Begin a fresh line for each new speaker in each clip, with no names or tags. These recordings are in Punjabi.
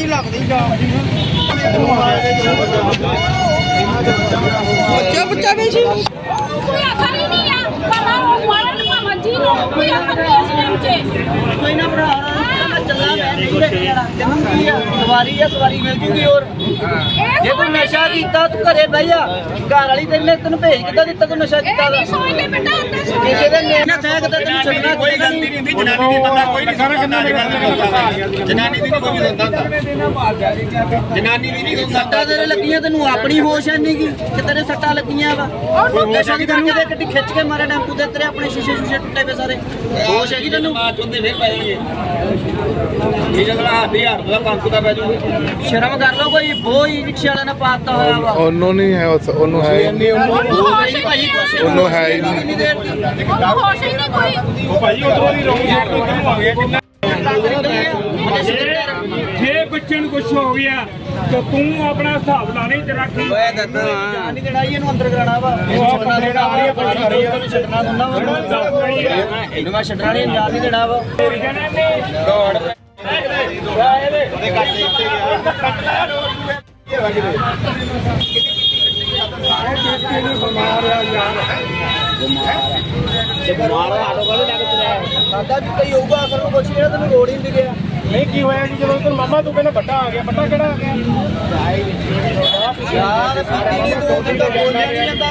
बच्चा भी सी
कोई असर ही नहीं है मरण मजी कोई असर नहीं इस टाइम से
कोई ना भरा चला मैं नहीं रखिया तेनू की सवारी है सवारी मिल जूगी और जे तू नशा कीता तू घरे बह जा घर वाली तेनू भेज किदा दिता तू नशा कीता दा
सोच ले बेटा अंदर सोच
किसी दे नेना थैक दा तेनू छड्डना कोई गलती नहीं हुंदी जनानी दी बंदा कोई नहीं सारा गंदा जनानी दी कोई नहीं होंदा जनानी दी नहीं सट्टा तेरे लगियां तेनू अपनी होश है नहीं की कि तेरे सट्टा लगियां वा नशा दी करके ते गड्डी खिच के मारे टेंपू दे तेरे अपने शीशे शूशे टुटे पे सारे होश है की तेनू बात चुंदे फिर पै जाएंगे ਇਹ ਜਗਲਾ 1000 ਦਾ 500 ਦਾ ਪੈ ਜੂਗੀ ਸ਼ਰਮ ਕਰ ਲਓ ਕੋਈ ਬੋਈ ਰਿਕਸ਼ਾ ਵਾਲਾ ਨਾ ਪਾਤਾ ਹੋਇਆ ਵਾ
ਉਹਨੂੰ ਨਹੀਂ ਹੈ ਉਹਨੂੰ ਹੈ
ਭਾਈ
ਉਹਨੂੰ ਹੈ ਹੀ ਨਹੀਂ
होश ही नहीं कोई
ਉਹ ਭਾਈ ਉਧਰੋਂ ਦੀ ਰੌਂਗ ਸਾਈਡ ਤੋਂ ਕਿਉਂ ਆ ਗਿਆ ਕਿੰਨਾ ਜੇ ਬੱਚੇ ਨੂੰ ਕੁਝ ਹੋ ਗਿਆ ਤਾਂ ਤੂੰ ਆਪਣਾ ਹਿਸਾਬ ਲਾ ਨਹੀਂ ਤੇ ਰੱਖ
ਓਏ ਦੱਦਾ ਨਹੀਂ ਲੜਾਈ ਇਹਨੂੰ ਅੰਦਰ ਕਰਾਣਾ ਵਾ ਛੱਡਣਾ ਦੇਣਾ ਵਾ ਛੱਡਣਾ ਦੁੰਨਾ ਵਾ ਇਹਨੂੰ ਮੈਂ ਛੱਡਣਾ ਨਹੀਂ ਜਾ ਨਹੀਂ ਦੇਣਾ ਵਾ ਦੌੜ ਸਾਡਾ ਵੀ ਕਈ ਹੋਊਗਾ ਅਸਲ ਨੂੰ ਪੁੱਛ ਰਿਹਾ ਤੈਨੂੰ ਲੋੜ ਹੀ ਨਹੀਂ ਗਿਆ
ਨਹੀਂ ਕੀ ਹੋਇਆ ਜੀ ਜਦੋਂ ਤੈਨੂੰ ਮਾਮਾ ਤੂੰ ਕਹਿੰਦਾ ਵੱਡਾ ਆ ਗਿਆ ਵੱਡਾ ਕਿਹੜਾ ਆ ਗਿਆ
ਯਾਰ ਸਾਡੀ ਨਹੀਂ ਤੂੰ ਕਿੰਦਾ ਬੋਲਿਆ ਨਹੀਂ ਜਾਂਦਾ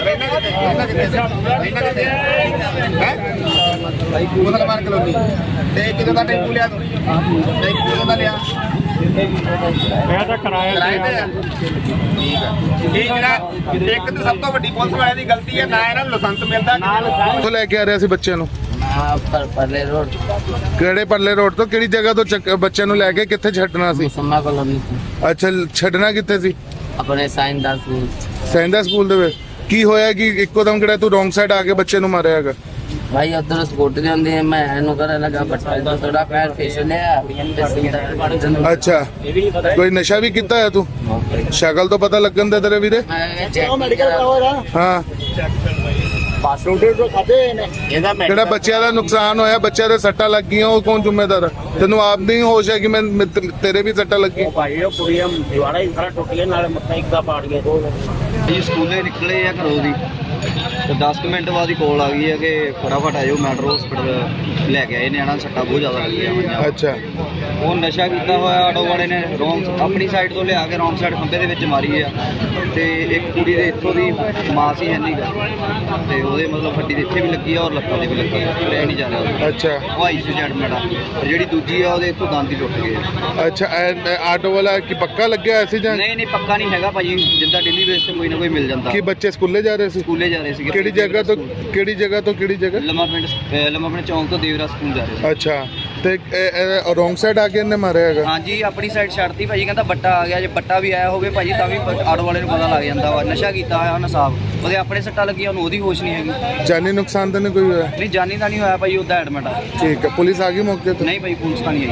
ਭਾਈ ਕੋਲ ਮਾਰ ਕਲੋਨੀ ਤੇ ਕਿਦੋਂ ਦਾ ਟੈਂਪੂ ਲਿਆ ਤੂੰ ਟੈਂਪੂ ਦਾ ਲਿਆ
ਮੈਂ ਤਾਂ ਕਿਰਾਇਆ
ਤੇ ਠੀਕ ਆ ਇਹ ਜਿਹੜਾ ਇੱਕ ਤੇ ਸਭ ਤੋਂ ਵੱਡੀ ਪੁਲਿਸ ਵਾਲਿਆਂ ਦੀ ਗਲਤੀ ਹੈ ਨਾ ਇਹਨਾਂ ਨੂੰ ਲਾਇਸੈਂਸ ਮਿਲਦਾ ਕਿੱਥੋਂ ਲੈ ਕੇ ਆ ਰਿਹਾ ਸੀ ਬੱਚਿਆਂ ਨੂੰ
ਪਰਲੇ ਰੋਡ
ਕਿਹੜੇ ਪਰਲੇ ਰੋਡ ਤੋਂ ਕਿਹੜੀ ਜਗ੍ਹਾ ਤੋਂ ਬੱਚਿਆਂ ਨੂੰ ਲੈ ਕੇ ਕਿੱਥੇ ਛੱਡਣਾ ਸੀ
ਮੁਸੰਮਾ ਕਲੋਨੀ
ਅੱਛਾ ਛੱਡਣਾ ਕਿੱਥੇ ਸੀ
ਆਪਣੇ ਸਾਇੰਸਦਾਨ ਸਕੂਲ
ਸੈਂਦਾ ਸਕੂਲ ਦੇ ਵਿੱਚ ਕੀ ਹੋਇਆ ਕਿ ਇੱਕੋ ਦਮ ਕਿਹੜਾ ਤੂੰ ਰੋਂਗ ਸਾਈਡ ਆ ਕੇ ਬੱਚੇ ਨੂੰ ਮਾਰਿਆ ਹੈਗਾ
ਭਾਈ ਉਧਰ ਸਕੂਟਰ ਦੇ ਹੁੰਦੇ ਮੈਂ ਇਹਨੂੰ ਕਰਨ ਲੱਗਾ ਬੱਚਾ ਦਾ ਥੋੜਾ ਪੈਰ ਫੇਸ ਲਿਆ
ਅੱਛਾ ਕੋਈ ਨਸ਼ਾ ਵੀ ਕੀਤਾ ਹੈ ਤੂੰ ਸ਼ਕਲ ਤੋਂ ਪਤਾ ਲੱਗਣ ਦੇ ਤੇਰੇ ਵੀਰੇ
ਮੈਡੀਕਲ ਕਰਾਉਣਾ
ਹਾਂ
ਪਾਸਪੋਰਟ ਤੋਂ ਖਾਦੇ ਨੇ ਇਹਦਾ
ਜਿਹੜਾ ਬੱਚਿਆਂ ਦਾ ਨੁਕਸਾਨ ਹੋਇਆ ਬੱਚਿਆਂ ਦੇ ਸੱਟਾਂ ਲੱਗੀਆਂ ਉਹ ਕੌਣ ਜ਼ਿੰਮੇਦਾਰ ਹੈ ਤੈਨੂੰ ਆਪ ਨਹੀਂ ਹੋਸ਼ ਹੈ ਕਿ ਮੈਂ ਤੇਰੇ ਵੀ ਸੱਟਾਂ ਲੱਗੀ
ਭਾਈ ਉਹ ਕੁੜੀਆਂ ਦਿਵਾੜਾ ਹੀ ਸਾਰਾ ਟੁੱਟ ਗਿਆ ਨਾਲੇ ਮੱਥਾ ਇੱਕਾ ਪਾੜ ਗਿਆ
ਜੀ ਸਕੂਲੇ ਨਿਕਲੇ ਆ ਘਰੋਂ ਦੀ ਤੇ 10 ਮਿੰਟ ਬਾਅਦ ਹੀ ਕਾਲ ਆ ਗਈ ਹੈ ਕਿ ਫਟਾਫਟ ਆਇਓ ਮੈਟਰੋ ਹਸਪੀਟਲ ਲੈ ਕੇ ਆਏ ਨਿਆਣਾ ਸੱਟਾਂ ਬਹੁਤ ਜ਼ਿਆਦਾ ਲੱਗੀਆਂ ਹੋਈਆਂ
ਅੱਛਾ
ਉਹ ਨਸ਼ਾ ਕੀਤਾ ਹੋਇਆ ਆਟੋ ਵਾਲੇ ਨੇ ਰੋਂਗ ਆਪਣੀ ਸਾਈਡ ਤੋਂ ਲਿਆ ਕੇ ਰੋਂਗ ਸਾਈਡ ਖੰਭੇ ਦੇ ਵਿੱਚ ਮਾਰੀ ਆ ਤੇ ਇੱਕ ਕੁੜੀ ਦੇ ਇੱਥੋਂ ਦੀ ਮਾਸ ਹੀ ਹੈ ਨਹੀਂ ਗਾ ਤੇ ਉਹਦੇ ਮਤਲਬ ਹੱਡੀ ਦੇ ਇੱਥੇ ਵੀ ਲੱਗੀ ਆ ਔਰ ਲੱਤਾਂ ਤੇ ਵੀ ਲੱਗੀ ਆ ਰਹਿ ਨਹੀਂ ਜਾ ਰਿਹਾ
ਅੱਛਾ
ਉਹ ਆਈਸੀਯੂ ਚ ਐਡਮਿਟ ਆ ਤੇ ਜਿਹੜੀ ਦੂਜੀ ਆ ਉਹਦੇ ਇੱਥੋਂ ਦੰਦ ਹੀ ਟੁੱਟ ਗਏ ਆ।
ਅੱਛਾ ਆਟੋ ਵਾਲਾ ਕੀ ਪੱਕਾ ਲੱਗਿਆ ਹੋਇਆ ਸੀ ਜਾਂ
ਨਹੀਂ ਨਹੀਂ ਪੱਕਾ ਨਹੀਂ ਹੈਗਾ ਭਾਜੀ ਜਿੱਦਾਂ ਡੇਲੀ ਬੇਸ ਤੇ ਕੋਈ ਨਾ ਕੋਈ ਮਿਲ ਜਾਂਦਾ
ਕੀ ਬੱਚੇ ਸਕੂਲੇ ਜਾ ਰਹੇ ਸੀ
ਸਕੂਲੇ ਜਾ ਰਹੇ ਸੀਗੇ
ਕਿਹੜੀ ਜਗ੍ਹਾ ਤੋਂ ਕਿਹੜੀ ਜਗ੍ਹਾ
ਲੰਮਾ ਪਿੰਡ ਚੌਂਕ ਤੋਂ ਦੇਵਰਾ ਸਕੂਲ ਜਾ ਰਹੇ ਸੀ
ਅੱਛਾ ਤੇ ਰੋਂਗ ਸਾਈਡ ਆ ਕੇ ਇਹਨੇ ਮਾਰਿਆ ਹੈਗਾ
ਹਾਂਜੀ ਆਪਣੀ ਸਾਈਡ ਛੱਡਤੀ ਭਾਜੀ ਕਹਿੰਦਾ ਬੱਟਾ ਆ ਗਿਆ ਜੇ ਬੱਟਾ ਵੀ ਆਇਆ ਹੋਵੇ ਭਾਜੀ ਤਾਂ ਵੀ ਆਟੋ ਵਾਲੇ ਨੂੰ ਪਤਾ ਲੱਗ ਜਾਂਦਾ ਵਾ ਨਸ਼ਾ ਕੀਤਾ ਹੋਇਆ ਉਹਨੇ ਸਾਫ ਉਹਦੇ ਆਪਣੇ ਸੱਟਾਂ ਲੱਗੀਆਂ ਉਹਨੂੰ ਉਹਦੀ ਹੋਸ਼ ਨਹੀਂ ਹੈਗੀ
ਜਾਨੀ ਨੁਕਸਾਨ ਤਾਂ ਨਹੀਂ ਕੋਈ ਹੋਇਆ
ਨਹੀਂ ਜਾਨੀ ਤਾਂ ਨਹੀਂ ਹੋਇਆ ਭਾਜੀ ਉਹਦਾ ਐਡਮਿਟ ਆ
ਠੀਕ ਹੈ ਪੁਲਿਸ ਆ ਗਈ ਮੌਕੇ ਤੇ
ਨਹੀਂ ਭਾਈ ਪੁਲਿਸ ਤਾਂ ਨਹੀਂ ਆਈ